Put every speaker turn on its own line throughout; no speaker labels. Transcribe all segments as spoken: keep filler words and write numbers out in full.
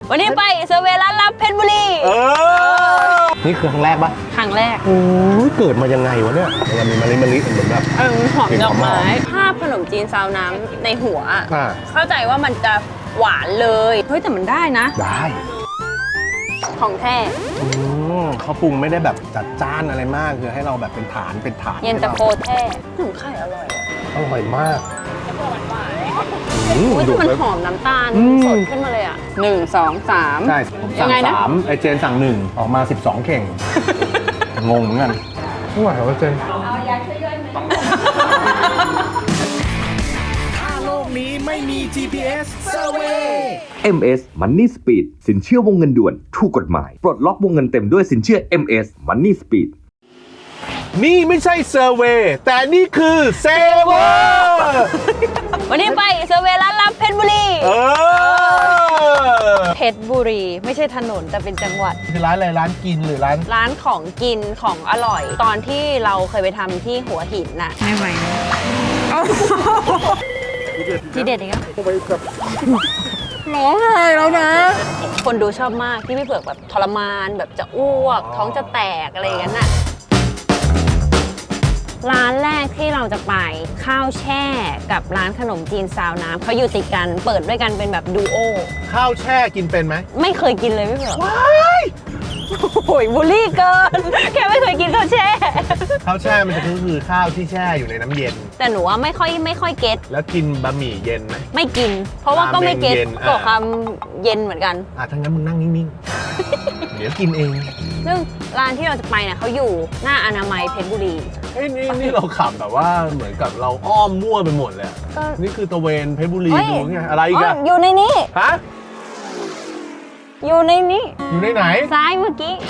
วันนี้ไปเซอร์เวย์ร้านลับเพชรบุรีเอ
อนี่คือครั้งแรกปะ
ครั้งแรก
โอ้ยเกิดมายังไงวะเนี่ยมันมีมะลิมะลิเหมือนแบบ
เออหอมดอกไม้ภาพขนมจีนซาวน้ำในหัวเข้าใจว่ามันจะหวานเลยเฮ้ยแต่มันได้นะ
ได้
ของแท้
เขาปรุงไม่ได้แบบจัดจ้านอะไรมากคือให้เราแบบเป็นฐานเป็นฐาน
เย็นตาโฟแท้หนูไข่อร่อย
อร่อยมาก
อุ้ยมันหอมน้ำตาลสดขึ้นมาเลยอ่ะหนึ่งสองสาม
ใช่สั่งสามไอเจนสั่งหนึ่งออกมาสิบสองเข่งงงเหมือนกันไม่ไหวเหรอเจนเอายาช่วยย่อยไหม
ถ้าโลกนี้ไม่มี จี พี เอส Survey
เอ็ม เอส Money Speed สินเชื่อวงเงินด่วนถูกกฎหมายปลดล็อกวงเงินเต็มด้วยสินเชื่อ เอ็ม เอส Money Speed
นี่ไม่ใช่เซอร์เวย์แต่นี่คือเซเวอร์
วันนี้ไปเซอร์เวย์ร้านลับเพชรบุรีเออเพชรบุรีไม่ใช่ถนนแต่เป็นจังหวัด
คือร้านอะไรร้านกินหรือร้าน
ร้านของกินของอร่อยตอนที่เราเคยไปทำที่หัวหินน่ะไม่ไหวที่เด็ดอีกแล้วร้องไห้แล้วนะคนดูชอบมากที่พี่เผือกแบบทรมานแบบจะอ้วกท้องจะแตกอะไรอย่างนั้นน่ะร้านแรกที่เราจะไปข้าวแช่กับร้านขนมจีนซาวน้ำเขาอยู่ติดกันเปิดด้วยกันเป็นแบบดูโอ
ข้าวแช่กินเป็นไหม
ไม่เคยกินเลยพี่เผือกว้ายโอ้ยบูลลี่เกินแค่ไม่เคยกินข้าวแช่
ข้าวแช่มันจะคือข้าวที่แช่อยู่ในน้ำเย็น
แต่หนูว่าไม่ค่อยไม่ค่อยเก็ต
แล้วกินบะหมี่เย็นไหม
ไม่กินเพราะว่าก็ไม่เก็ตก็คำเย็นเหมือนกัน
อ่ะทั้งนั้นมึงนั่งนิ่งๆเดี๋ยวกินเอง
ซึ่งร้านที่เราจะไปเนี่ยเขาอยู่หน้าอนามัยเพชรบุรี
เอ้ยนี่นี่เราขับแบบว่าเหมือนกับเราอ้อมมั่วไปหมดเลยนี่คือตะเวนเพชรบุรีดูไงอะไรอีกอะ
อยู่ในนี้
ฮะ
อยู่ในนี้
อยู่ในไหน
ซ้ายเมื่อกี้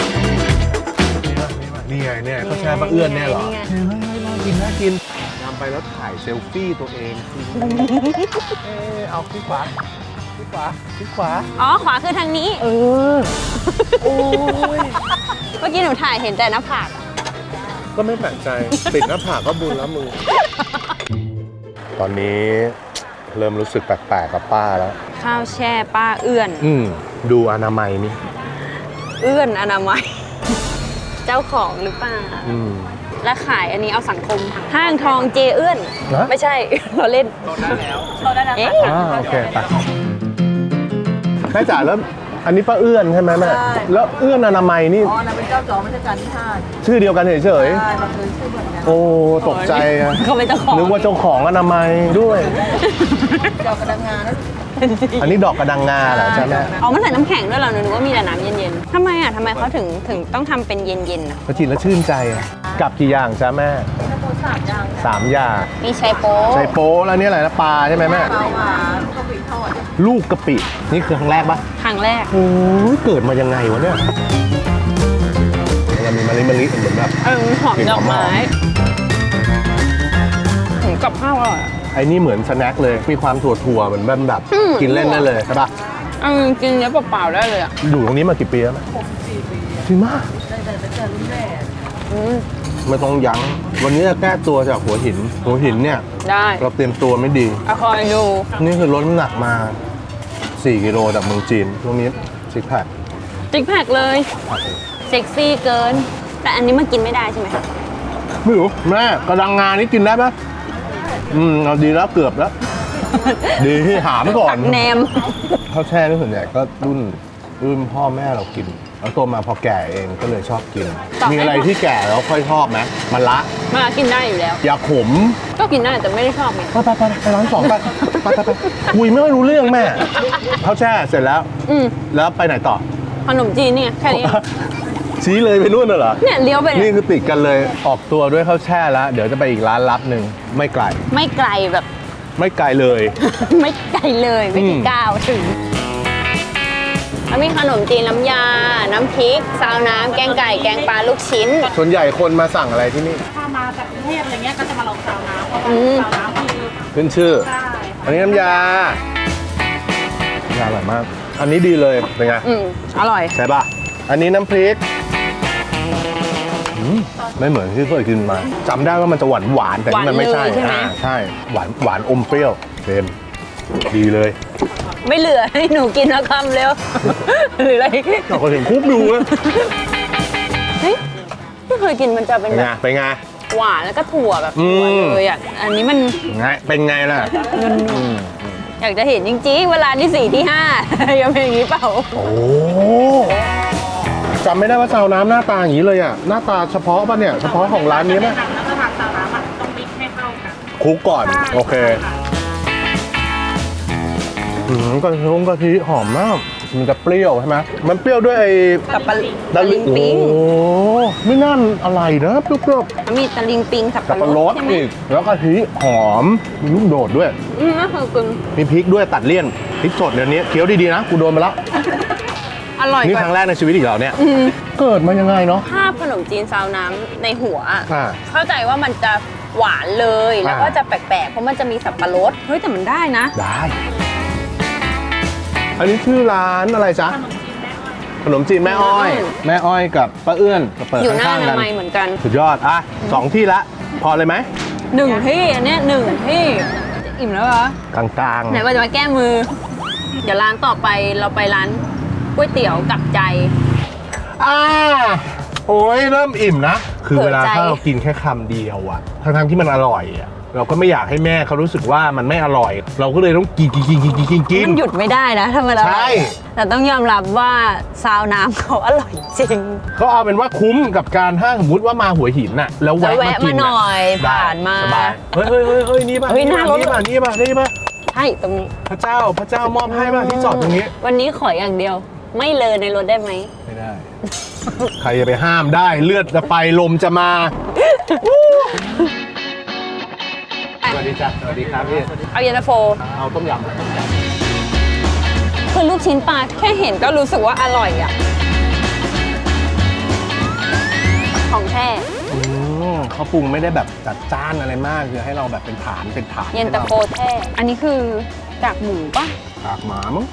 นี่ไงเนี่ยเขาแช่ปลาเอื้อนเนี่ยเหรอเฮ้ยน่ากินน่ากินนำไปแล้วถ่ายเซลฟี่ตัวเองเออเอาที่ขวาที่ขวาที่ขวา
อ๋อขวาคือทางนี้
เออโอ้ย
เมื่อกี้หนูถ่ายเห็นแต่หน้าผาก
ก็ไม่แปลกใจปิดหน้าผากก็บุญแล้วมึงตอนนี้เริ่มรู้สึกแปลกๆกับป้าแล้ว
ข้าวแช่ป้าเอื้อน
อืมดูอนามัยนี่
เอื้อนอนามัยเจ้าของหรือเปล่า
อืม
และขายอันนี้เอาสังคมห้างทองเจเอื้อนไม่ใช่เราเล่น
โดนได้แล้วโดนได้แล้ว
อ่าโอเคไปแม่จ๋าแล้วอันนี้ป้าเอื้อนใช่ไหมแม่แล้วเอื้อนอนามัยนี่
อ๋อนั่นเป็นเจ้าของราชการที่ห้า
ชื่อเดียวกันเฉยๆใช่
เราเคยชื่อเหมือนกัน
โอ้ตกใจอะ
เขาเป็นเจ้าของ
นึกว่าเจ้าของอนามัยด้วย
ดอกกระดังงา
อันนี้ดอกกระดังงาเหรอใช่ไหม
อ๋อมันใส่น้ำแข็งด้วยเหรอหนูว่ามีแต่น้ำเย็นๆทำไมอ่ะทำไมเขาถึงถึงต้องทำเป็นเย็นๆอ่ะ
พอกินแล้วชื่นใจอ่ะกับกี่อย่างจ้าแม่
สามอย่าง
สามอย่าง
มีไชโป๊
ไชโป๊แล้วนี่อะไรนะปลาใช่ไหมแม่
ปลาหวานกะปิทอด
ลูกกะปินี่คือครั้งแรกปะ
ครั้งแรก
โอ้ยเกิดมายังไงวะเนี่ยมันมีมะลิมะลิเหมือนแบบ
เออหอมดอกไม้ถึงกับข้าวอร่อย
ไอ้นี่เหมือนสแน็คเลยมีความถั่วถั่วเหมือนแบบแบบกินเล่นได้เลยใช่ปะ
อืมกินเนื้อเปล่าๆได้เลยอ่ะ
อยู่ตรงนี้มากี่ปีแล้ว
หกสี่ปี
จริงมาก
ได้แต่แต่รุ่นแรก
ไม่ต้องยั้งวันนี้จะแก้ตัวจากหัวหินหัวหินเนี่ย
ได้
เราเตรียมตัวไม่ดี
อะคอยดู
นี่คือลดน้ำหนักมาสี่กิโลจากเมืองจีนช่วงนี้ซิกแพค
ซิกแพคเลยเซ็กซี่เกินแต่อันนี้มันกินไม่ได้ใช่ไหม
ไม่รู้แม่กระดังงานี่กินได้ปะอืมเอาดีแล้วเกือบแล้วดีที่หามก่อน
แนม
ข้าวแช่นี่ส่วนใหญ่ก็รุ่นรุ่นพ่อแม่เรากินแล้วโตมาพอแก่เองก็เลยชอบกินมีอะไรที่แก่แล้วค่อยชอบไหมมันละ
มันละกินได้อยู่แล้ว
ยาขม
ก็กินได้แต่ไม่ได้ชอบไง
ไปไปไปไปร้านสองไปไปไปคุยไม่ค่อยรู้เรื่องแม่ข้าวแช่เสร็จแล้วอืมแล้วไปไหนต่อ
ขนมจีนเนี่ยแค่นี้
ชี้เลยไปนู่นเหรอ
เนี่ยเลี้ยวไป
นี่คือติดกันเลยออกตัวด้วยข้าวแช่แล้วเดี๋ยวจะไปอีกร้านลับหนึ่งไม่ไกล
ไม่ไกลแบบ
ไม่ไกลเลย
ไม่ไกลเลยไม่กี่ก้าวถึงแล้วมีขนมจีนน้ำยาน้ำพริกซาวน้ำแกงไก่แกงปลาลูกชิ้น
ส่วนใหญ่คนมาสั่งอะไรที่นี่
ถ้ามาจากกรุงเทพอะไรเงี้ยก็จะมาลองซาวน้ำเพราะว่าซาวน้ำคือ
ขึ้นชื่ออันนี้น้ำยาอร่อยมากอันนี้ดีเลยเป็นไง
อืมอร่อย
ใช่ป่ะอันนี้น้ำพริกไม่เหมือนที่เคยกินมาจำได้ว่ามันจะหวานหวานแต่นี่มันไม่ใช่ใช่ไหมใช่หวานหวานอมเปรี้ยวเต็มดีเลย
ไม่เหลือให้หนูกินแล้วคำเร็ว หรืออะไร
เราก็เห็นคุกดูนะ
เฮ้ยไม่เคยกินมันจะเป็น
เป็น
แบ
ไง
บ
เป็นไง
หวานแล้วก็ถั่วแบบถั่ว
อืม
เลยอ่ะอันนี้มัน
ไงเป็นไงล่ะ
นุ่มๆอยากจะเห็นจริงๆเวลาที่สี่ที่ห้า ยังเป็นอย่างนี้เปล่า
โอ้จำไม่ได้ว่าซาวน้ำหน้าตาอย่างนี้เลยอ่ะหน้าตาเฉพาะป่ะเนี่ยเฉพาะของร้านนี้ไหม
แนะนำแล้วก็ทางซาวน้ำอ่ะต้องมิกซ์ให้เข้ากัน
คลุกก่อนโอเคอืมกะทิกะทิหอมมากมันจะเปรี้ยวใช่ไหมมันเปรี้ยวด้วยไอ้
กับปลา
ตะลิ
ลิงปิง
โอ้ไม่น่าอะไรนะเปรี้ยว
มีตะลิงปิงสับ
ๆกับ
ปะ
ปะ
ร
ร
ด
ด
ใช่ไหม
อีกแล้วกะทิหอมมีลูกโดดด้วย
อืมน่าเคยกิน
มีพริกด้วยตัดเลี่ยนพริกสดเดี๋ยวนี้เคี้ยวดีๆนะกูโดนมาแล้ว
อร่อย
นี่
ก
ครั้ง
ว่า
แรกในชีวิตอีกแล้วเนี่ย
อืม
เกิดมายังไงเนาะ
ภาพขนมจีนซาวน้ำในหัวอะ
อ่า
เข้าใจว่ามันจะหวานเลยแล้วก็
อ่า
จะแปลกๆเพราะมันจะมีสับปะรดเฮ้ยแต่มันได้นะ
ได้ อันนี้ชื่อร้านอะไรจ๊ะขนมจีนแม่อ้อย แม่อ้อยกับป้าเอื้อนก็เปิด
อยู่หน้า
ข้าง
อ
ๆกั
นาน มัยเหมือนกัน
สุดยอดอ่ะสองที่ละพอเลยไหม
หนึ่งที่อันเนี้ยหนึ่งที่อิ่มแล้วเหรอก
ลางๆ
ไหนว่าจะมาแก้มือ เดี๋ยวร้านต่อไปเราไปร้านก๋วยเตี๋ยวกับใจ
อ่าโอ้ยเริ่มอิ่มนะ คือ
เผื่อ
เวลา
ใจ
ถ้าเรากินแค่คำเดียวอะทั้งๆที่มันอร่อยอะเราก็ไม่อยากให้แม่เขารู้สึกว่ามันไม่อร่อย เราก็เลยต้องกินกินกินกินกินกินกิน
มันหยุดไม่ได้นะทำไมเรา
ใช่
แต่ต้องยอมรับว่าซาวน้ำเขาอร่อยจริง
ก็เอาเป็นว่าคุ้มกับการถ้าสมมติว่ามาหัวหินน่ะแล้ว
จะ
แวะมา
แวะ
กิ
มาน หน่อย
ได้
ผ่านมา
สบายเฮ้ยเฮ้ยเฮ้ยเฮ้ยนี่ป่ะ
เฮ้ยหน้ารถ
นี่ป่ะนี่ป่ะนี่ป่ะ
ใช่ตรงนี้
พระเจ้าพระเจ้ามอบให้ป่ะที่จอดตรงนี้
วันนี้ขออย่างเดียว ไม่เลอในรถได้ไหม
ไม่ได้ ใครจะไปห้ามได้เลือดจะไปลมจะมา สวัสดีจ้ะสวัสดีครับพี่
เอาเย็นตาโฟ
เอาต้มยำ
คือลูกชิ้นปลาแค่เห็นก็รู้สึกว่าอร่อยอ่ะ ของแท้
อืมเขาปรุงไม่ได้แบบจัดจ้านอะไรมากคือให้เราแบบเป็นฐานเป็นฐาน
เย็นตาโฟแท้ อันนี้คือจากหมูป่ะ
ปากหมามั้ง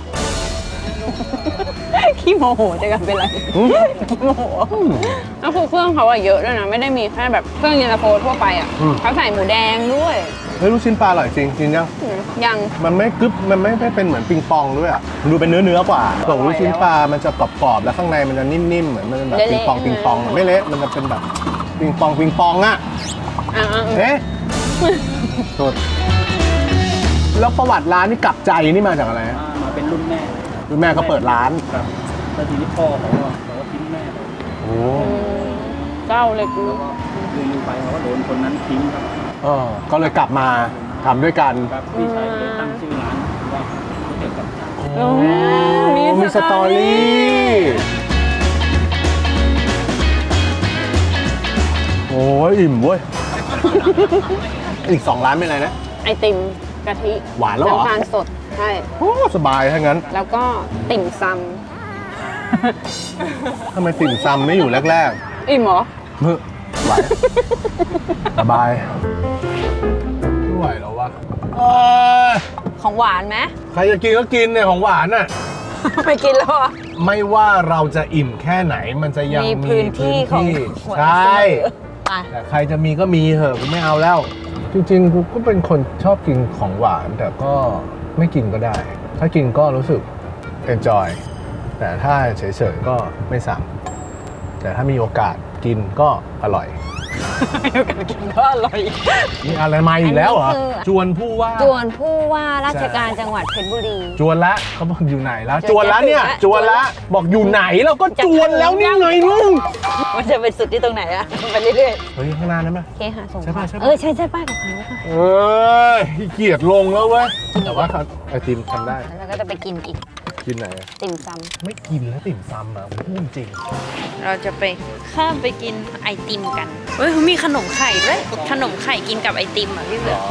ขี้โมโหจะกันเป็นไร
อืม
ขี้โมโหแล้วคือเครื่องเขาอะเยอะด้วยนะ ไม่ได้มีแค่แบบเครื่องเย็นตาโฟทั่วไปอะ
อืม
เขาใส่หมูแดงด้วย
เฮ้ยลูกชิ้นปลาอร่อยจริงกินยัง
อืมยัง
มันไม่กึบมันไม่ไม่เป็นเหมือนปิงปองด้วยอ่ะดูเป็นเนื้อเนื้อกว่าส่วนลูกชิ้นปลามันจะกรอบๆแล้วข้างในมันจะนิ่มๆเหมือนมันเป็นแบบปิงปองปิงปองไม่เละมันจะเป็นแบบปิงปองปิงปองอ่ะ
อ่า
เอ๊ะโทษแล้วประวัติร้านนี่กลับใจนี่มาจากอะไรฮะ
มาเป็นรุ่นแม่
คุณแม่ก็เปิดร้าน
ครับแล้วทีนี้พ่อเขาก็เขาก็ทิ้งแม่ไป
โอ้
เจ้าเลยกู
แล้วก็อยู่ๆไปเขาก็โดนคนนั้นทิ้งครับ
เออก็เลยกลับมาทำด้วยกัน
ครับพี่ชายก็เลยตั้งชื่อร้านว่าก๋วยเตี๋ยวกับใจ
โอ้มี
มีสตอรี่โอ้ยอิ่มเว้ย อีกสองร้านเป็นอะไรนะ
ไอติมกะทิ
หวานแล้วเหรอ
น้ำตาลสด ใช่
โอ้สบายถ้างั้น
แล้วก็ติ่มซ
ทำไมติ่มซำไม่อยู่แรก
ำอิ่มเหรอ
ๆเฮ้ยไหว สบายไม่ไหวแล้ววะเอ้ย
ของหวานไหม
ใครจะกินก็กินเนี่ยของหวานน่ะ
ไม่กินแล้วเหรอ
ไม่ว่าเราจะอิ่มแค่ไหนมันจะยัง
มี
มี
พื้นที่ของ
พื้น
หัว
ใช่
ไป
แต่ใครจะมีก็มีเหอะกูไม่เอาแล้ว จริงๆกูก็เป็นคนชอบกินของหวาน แต่ก็ไม่กินก็ได้ ถ้ากินก็รู้สึก enjoy แต่ถ้าเฉยๆก็ไม่สั่ง แต่ถ้ามีโอกาสกินก็อร่อย
กินก็อร่อย
มีอะไรมาอีกแล้วเหรอ
อันนี้คือ
จวนผู้ว่า
จวนผู้ว่าราชการจังหวัดเพชรบุรี
จวนละเขาบอกอยู่ไหนแล้ว
จะ
จวนละเนี่ย
จะถึงละ
จวนละบอกอยู่ไหนเราก็จวนแล้วนี่ไงลุง
มันจะเป็นสุดที่ตรงไหนอะไปเรื่อย
เฮ้ยข้างหน้านั้นไหม
ๆเคหะส่ง
ใช่ปะใช่ปะ
เออใช่ใช่ป้ายกับพันแล้วค่ะ
เอ้ยขี้เกียจลงแล้วเว้ยแต่ว่าเขาไอติมทำได้
แล้วก็จะไปกินอีก
กินไหนอะ
ติ่มซ
ไม่กินแล้วติ่มซำอ่ะผมพูดจริง
ำเราจะไปข้ามไปกินไอติมกันเฮ้ยเขามีขนมไข่ด้วยขนมไข่กินกับไอติมอ่ะพี่เสือ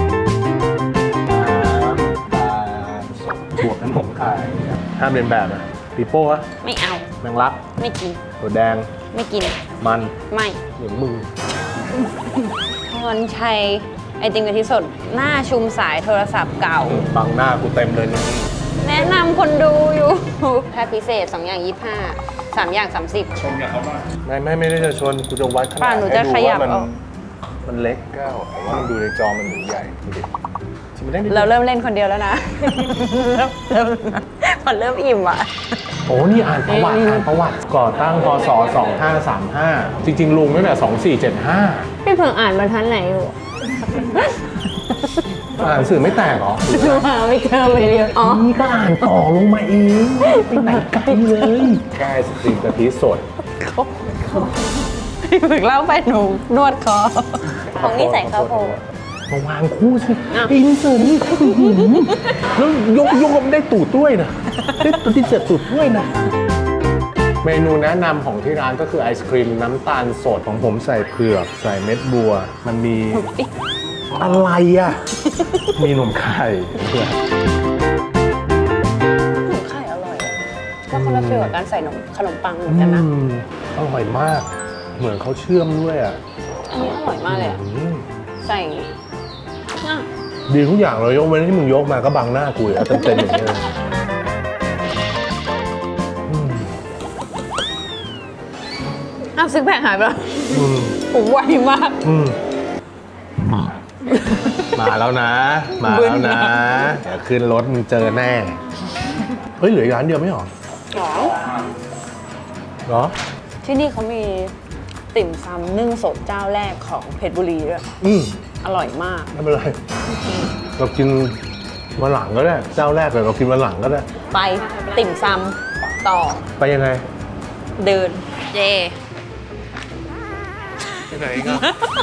บวกน้ำผงไข่ห้ามเรียนแบบอ่ะปีโป้อะ
ไม่เอา
แมงลัก
ไม่กิน
ตัวแดง
ไม่กิน
มัน
ไม่
เหมือนมือ
พรชัยไอติมกะทิสดหน้าชุมสายโทรศัพท์เก่า
บังหน้ากูเต็มเลยนี่
แนะนำคนดูอยู่แค่พิเศษสองอย่างยี่ห้าสามอย่างสามสิบ
ไม่ไม่ไม่ได้จะชวนกูจะวัดขนาด
ป่ะหนูจะ
ให้ดู
ขยับ
ว่ามัน
เอา
มันเล็กแก้วแต่ว่ามันดูในจอมันเหมือนใหญ่ดูดิทีมันได้นิด
เราเริ่มเล่นคนเดียวแล้วนะ เริ่มเริ่มพอเริ่มอิ่มอ่ะ
โอ้นี่อ่านประวัติอ่านประวัติก่อตั้งพศสองห้าสามห้าจริงๆลุงตั้งแต่สองสี่เจ็ดห้า
พี่เพิ่งอ่านบรรทัดไหนอยู่
อ่านสื่อไม่แตกเหรอ
มาไม่เจอเลยเดียวอ๋อ
นี่ก็อ่านต่อลงมาเองไปไหนไกลเลยแก้สตรีมกะทิสด
พี่เพิ่งเล่าไปหนูนวดคอของนี่ใส่ข้าวโพด
มาวางคู่สิ
อ้าว
อินเสิร์ตนี่แล้วยกยกมันได้ตูดด้วยนะได้ตูดที่เสิร์ตตูดด้วยนะ เมนูแนะนำของที่ร้านก็คือไอศครีมน้ำตาลสดของผมใส่เผือกใส่เม็ดบัว มันมีอะไรอ่ะ มีหนมไข่เผือก
ขนมไข่อร่อยอะก็คนละฟีลกับการใส่นมขนมปังเหมือนกันนะ
อืมอร่อยมาก เหมือนเขาเชื่อมด้วยอ่ะ
อันนี้อร่อยมากเลยอะ
อืม
ใส่อ่ะ
ดีทุกอย่างเลยยกเว้นที่มึงยกมาก็บังหน้ากูอ่ะเต็มๆอย่างนี้เลยอืม
อ้าวซิกแพคหายไปแล้ว
อืม
ผมไวมาก
อืมมาแล้วนะ มาแล้วนะเดี๋ยวขึ้นรถมึงเจอแน่ เฮ้ยเหลืออีกร้านเดียวไม่หรอ
หรอ
เหรอ
ที่นี่เขามีติ่มซำนึ่งสดเจ้าแรกของเพชรบุรีด้วย
อืม
อร่อยมาก
ไม่เป็นไร เรากินวันหลังก็ได้ เจ้าแรกเลยเรากินวันหลังก็ได้
ไปติ่มซำต่อ
ไปยังไง
เดิน เย่
ไปไหนกัน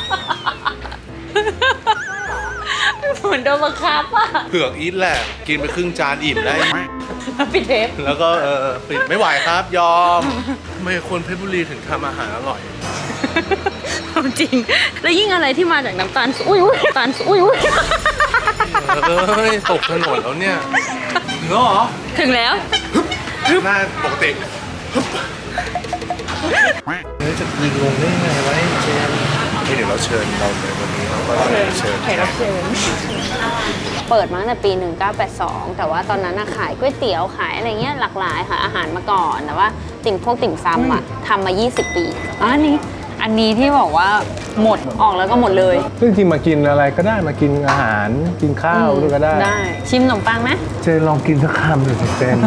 เหมือนโดนบังคับอ่ะ
เผือกอีทแหละ กินไปครึ่งจานอิ่มได้
ปิดเทป
แล้วก็เออปิดไม่ไหวครับยอมทำไมคนเพชรบุรีถึงทำอาหารอร่อย
จริง แล้วยิ่งอะไรที่มาจากน้ำตาลอุ้ยอุ้ยน้ำตาลอุ้ยอุ้ย
เฮ้ย ตกถนนแล้วเนี่ยถึงแล้วเหรอ
ถึงแล้ว
หน้าปกติเฮ้ยจะยิงลงได้ยังไงวะเจมนี่เดี๋ยวเราเชิญเราในวันนี้เราก็เชิญ
แขกรับเชิญเปิดมาตั้งแต่ปี หนึ่งเก้าแปดสอง แต่ว่าตอนนั้นน่ะขายก๋วยเตี๋ยวขายอะไรเงี้ยหลากหลายค่ะอาหารมาก่อน แต่ว่าติ่งพวกติ่มซำอ่ะทำมา ยี่สิบ ปีอ๋ออันนี้ อันนี้ที่บอกว่าหมดออกแล้วก็หมดเลย
ซึ่งจริงมากินอะไรก็ได้มากินอาหารกินข้าวด้วยก็ได้
ได้ ชิมขนมปังไหม
เจนลองกินสักคำดูสิเจน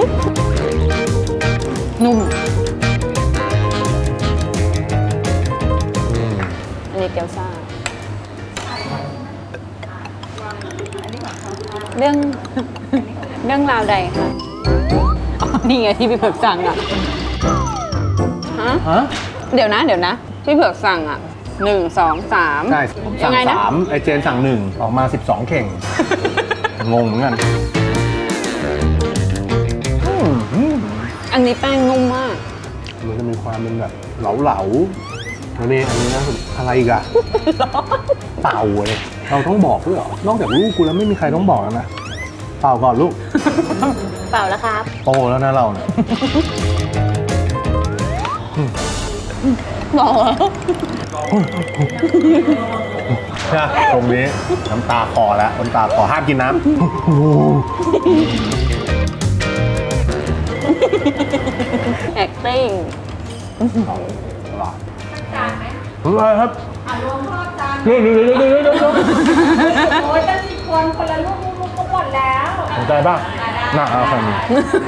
นุ่ม อันนี้เกี๊ยวซ่า เรื่อง เรื่องราวใดคะอ๋อนี่ไงที่พี่เผือกสั่งอ่ะ ฮะ
ฮะ
เดี๋ยวนะ เดี๋ยวนะ พี่เผือกสั่งอ่ะหนึ่งสองสาม
ใช่ผม
ยั
สั่ง
ไงนะ
สามไอเจนสั่งหนึ่งออกมาสิบสองเข่ง งงเหมือนกันอืม
อันนี้แป้งนุ่มมาก
มันจะมีความเป็นแบบเหลาๆแล้วนี่อันนี้นะอะไรอีกอะเป่าเลยเราต้องบอกด้วยเหรอ นอกจากลูกกูแล้วไม่มีใครต้องบอกแล้วนะ เป่าก่อนลูก
เปล่าแล้วครับ
โตแล้วนะเราเนี่ย
บอกแล้ว
ใช่ตรงนี้น้ำตาคอแล้วน้ำตาคอห้ามกินน้ำ
acting
อะไรครับเดี๋ยวเดี๋ยวเดี๋ยวเดี๋ยวเดี๋ยว
โอ้ยตั้งสี่คนคนละลูกลูกก็หมดแล้ว
สนใจป่ะน่าเอาแค่นี้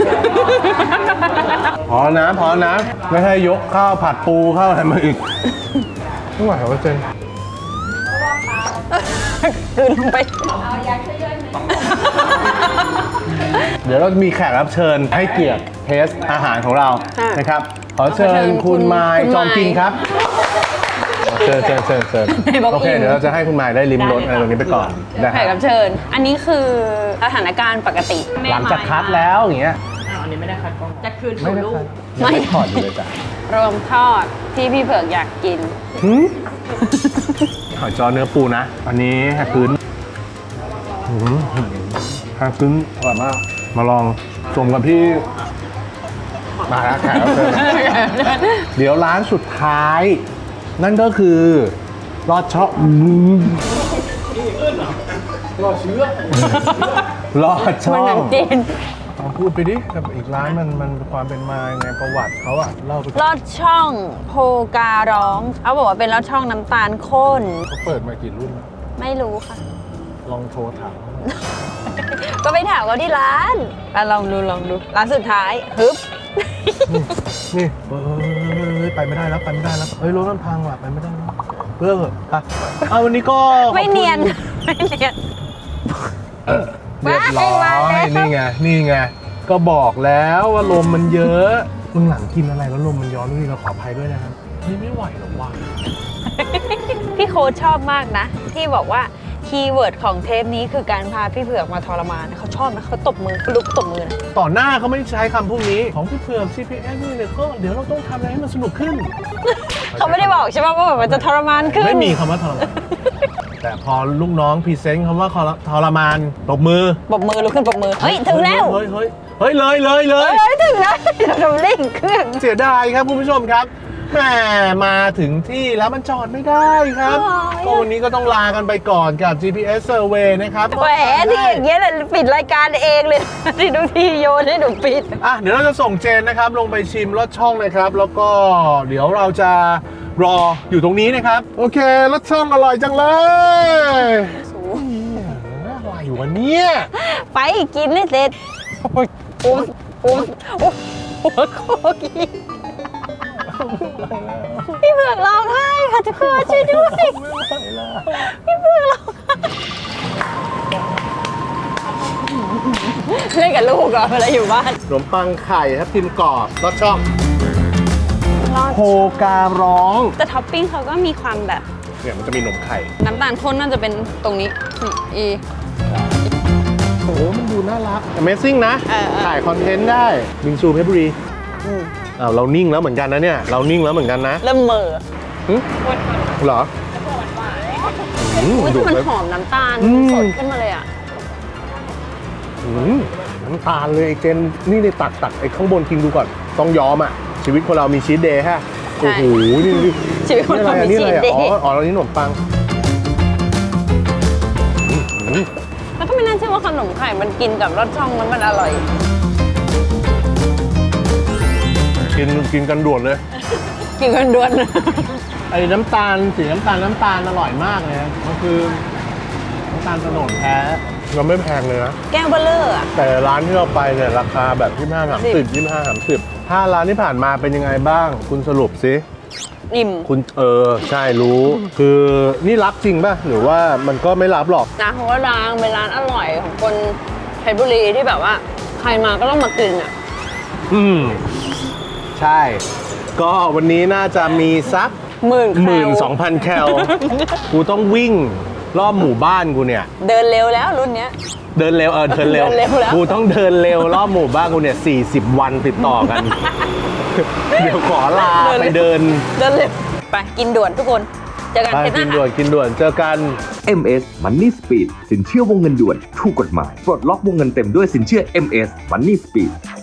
พอนะพอนะ ไม่ให้ยกข้าวผัดปูข้าวอะไรมาอีกไม่ไหวแล้วเจน
คืนลงไป
เดี๋ยวเรามีแขกรับเชิญให้เกียรติเทสอาหารของเรา
ค่ะ
นะครับ ขอเชิ
ขอเชิ
ญ
ญ
คุณไมาย
คุณ
จอมกิน
ไมค์
ครับเชิญเชิญเชิญเชิญ
ให้บอก
โอเค
อิ่ม
เดี๋ยวเราจะให้คุณไมายได้ลิ้มรสอะไรตรงนี้ไปก่อนได้
แขกรับเชิญ อันนี้คือสถานการณ์ปกติ
หลังจากคัดแล้วอย่างเงี้ย
อันนี้ไม่ได้คัดกล้องจะคืน
ไม่ได้
ลู
คั
ก
ดยังไม่ถอดอยู่เลยจ้ะ
รวมทอดที่พี่เผือกอยากกิน
หืมหอยจอเนื้อปูนะ อันนี้แฮกคืนหืมแฮกคืนอร่อยมาก มาลองชมกับพี่ มาแล้วแขกรับเชิญ เดี๋ยวร้านสุดท้าย นั่นก็คือลอดช่องลอดเชื้อลอดช่
มัน
อ
หนั
ง
งจีน
ลองพูดไปดิกับอีกร้านมันมันความเป็นมายังไงประวัติเขาอะเล่าไป
ลอดช่องโพการ้องเขาบอกว่าเป็นลอดช่องน้ำตาลข้น
เขาเปิดมากี่รุ่นแล้ว
ไม่รู้ค่ะ
ลองโทรถามเขา
ก็ไปถามเขาที่ร้านอ่ะลองดูลองดูร้านสุดท้ายฮึบ
นี่เฮ้ยไปไม่ได้แล้วไปไม่ได้แล้วเฮ้ยรถมันพังว่ะไปไม่ได้แล้วเลิกเถอะอ่ะเอาวันนี้ก็ขอบคุณ
ไม่เนียนไม่เนียน
เรียบร้อ
มาแล้
ยว นี่ไงนี่ไงก็บอกแล้วว่าลมมันเยอะมึงหลังกินอะไรแล้วลมมันย้อนนี่เราขออภัยด้วยนะครับนี่ไม่ไหวหรอกว่ะ
พี่โค้ชชอบมากนะ ที่บอกว่าคีย์เวิร์ดของเทปนี้คือการพาพี่เผือกมาทรมานเขาชอบนะเขาตบมือเขาลุกตบมือนะ
ต่อหน้าเขาไม่ใช้คำพวกนี้ของพี่เผือก ซี พี เอส นี่เนี่ยก็เดี๋ยวเราต้องทำอะไรให้มันสนุกขึ้น
เขาไม่ได้บอกใช่ไหมว่าแบบมันจะทรมานขึ้น
ไม่มีคำว่าทรมาน แต่พอลูกน้องพรีเซนต์คำว่าทรมานตบมือ
ปรบมือลุกขึ้นปรบมือเฮ้ยถึงแล้ว
เฮ้ยเฮ้ยเฮ้ยเลยเลยเล
เฮ้
ย
ยถึงแล้วเราเร่งเครื่อง
เสียดายครับคุณผู้ชมครับแหมมาถึงที่แล้วมันจอดไม่ได้ครับ
โอ้ย
ก็วันนี้ก็ต้องลากันไปก่อนกับ จี พี เอส Survey นะครับ
แหมที่อย่างเงี้ยเลยปิดรายการเองเลย ที่ดูทีโยนให้หนูปิด
อ่ะเดี๋ยวเราจะส่งเจนนะครับ ลงไปชิมรสช่องนะครับ แล้วก็เดี๋ยวเราจะรออยู่ตรงนี้นะครับ โอเครสช่องอร่อยจังเลยอะไรอยู่วันนี้
ไปกินให้เสร็จโอ้ยโอ้ยโอ้ยโอ้ยหัวโคกี้พี่เผือกร้องไห้ค่ะทุกคนช่วยด้วยพี่เผือกร้องไห้เล่นกับลูกเหรอเวลาอยู่บ้าน
ขนมปังไข่ครับพิมพ์กรอบรสช่องโคการ้อง
แต่ท็อปปิ้งเขาก็มีความแบบ
เนี่ยมันจะมีขนมไข่
น้ำตาลข้นน่าจะเป็นตรงนี้นี่อี
โอ้โหมันดูน่ารัก Amazing นะ
เออเออ
ถ่ายคอนเทนต์ได้บิงซูเพชรบุรี
อืม
อ้าวเรานิ่งแล้วเหมือนกันนะเนี่ย เรานิ่งแล้วเหมือนกันนะ
เริ่มเหม่อ
หึเหรออืม
อุ้ย
ดู
แต่มัน
เลย
หอมน้ำตาล
อืม
สดขึ้นมาเลยอ่ะ
อืมน้ำตาลเลยไอ้เจนนี่นี่ตักตักไอ้ข้างบนกินดูก่อน ต้องยอมอ่ะ ชีวิตคนเรามีชีทเดย์ฮะ
ใช่
โอ้โห นี่นี่
ชีวิตคนเรามี
นี่
ชี
อะไร
ทเด
อ่ะ
ย์
อ๋ออ๋อแล้วนี่ขนมปังอืมอืม
แล้วก็ไม่น่าเชื่อว่าขนมไข่มันกินกับรสช่องมันมันอร่อย
กินกินกันด่วนเลย
กินกันด่วน
ไอ้น้ำตาลสีน้ำตาลน้ำตาลอร่อยมากเลยนะมันคือน้ำตาลโตนดแท้เราไม่แพงเลยนะ
แก้วเบลเลอร์อ่ะ
แต่ร้านที่เราไปเนี่ยราคาแบบยี่สิบห้าสามสิบยี่สิบห้าสามสิบห้าร้านที่ผ่านมาเป็นยังไงบ้าง คุณสรุปสิ
อิ่ม
คุณเออใช่รู้ คือนี่รับจริงป่ะ หรือว่ามันก็ไม่รับหรอก
นะเพราะว่าร้านเป็นร้านอร่อยของคนเพชรบุรีที่แบบว่า ใครมาก็ต้องมากินอ่ะ
อืม ใช่ ก็วันนี้น่าจะมีสัก
หมื่น
หมื่นสองพันแคล กูต้องวิ่งรอบหมู่บ้านกูเนี่ย
เดินเร็วแล้วรุ่นเนี้ย
เดินเร็วเออเดินเร็ว
เดินเร็วแล้ว
กูต้องเดินเร็วรอบหมู่บ้านกูเนี่ยสี่สิบวันติดต่อกัน เดี๋ยวขอลาไปเดิน
เดินเร็วไปกินด่วนทุกคนเจอกัน
ไป
เทปห
กิ
น้าน
ด่วน
ค่ะ
กินด่วนเจอกัน
เอ็ม เอส Money Speed สินเชื่อวงเงินด่วนถูกกฎหมาย ปลดล็อกวงเงินเต็มด้วยสินเชื่อ เอ็ม เอส Money Speed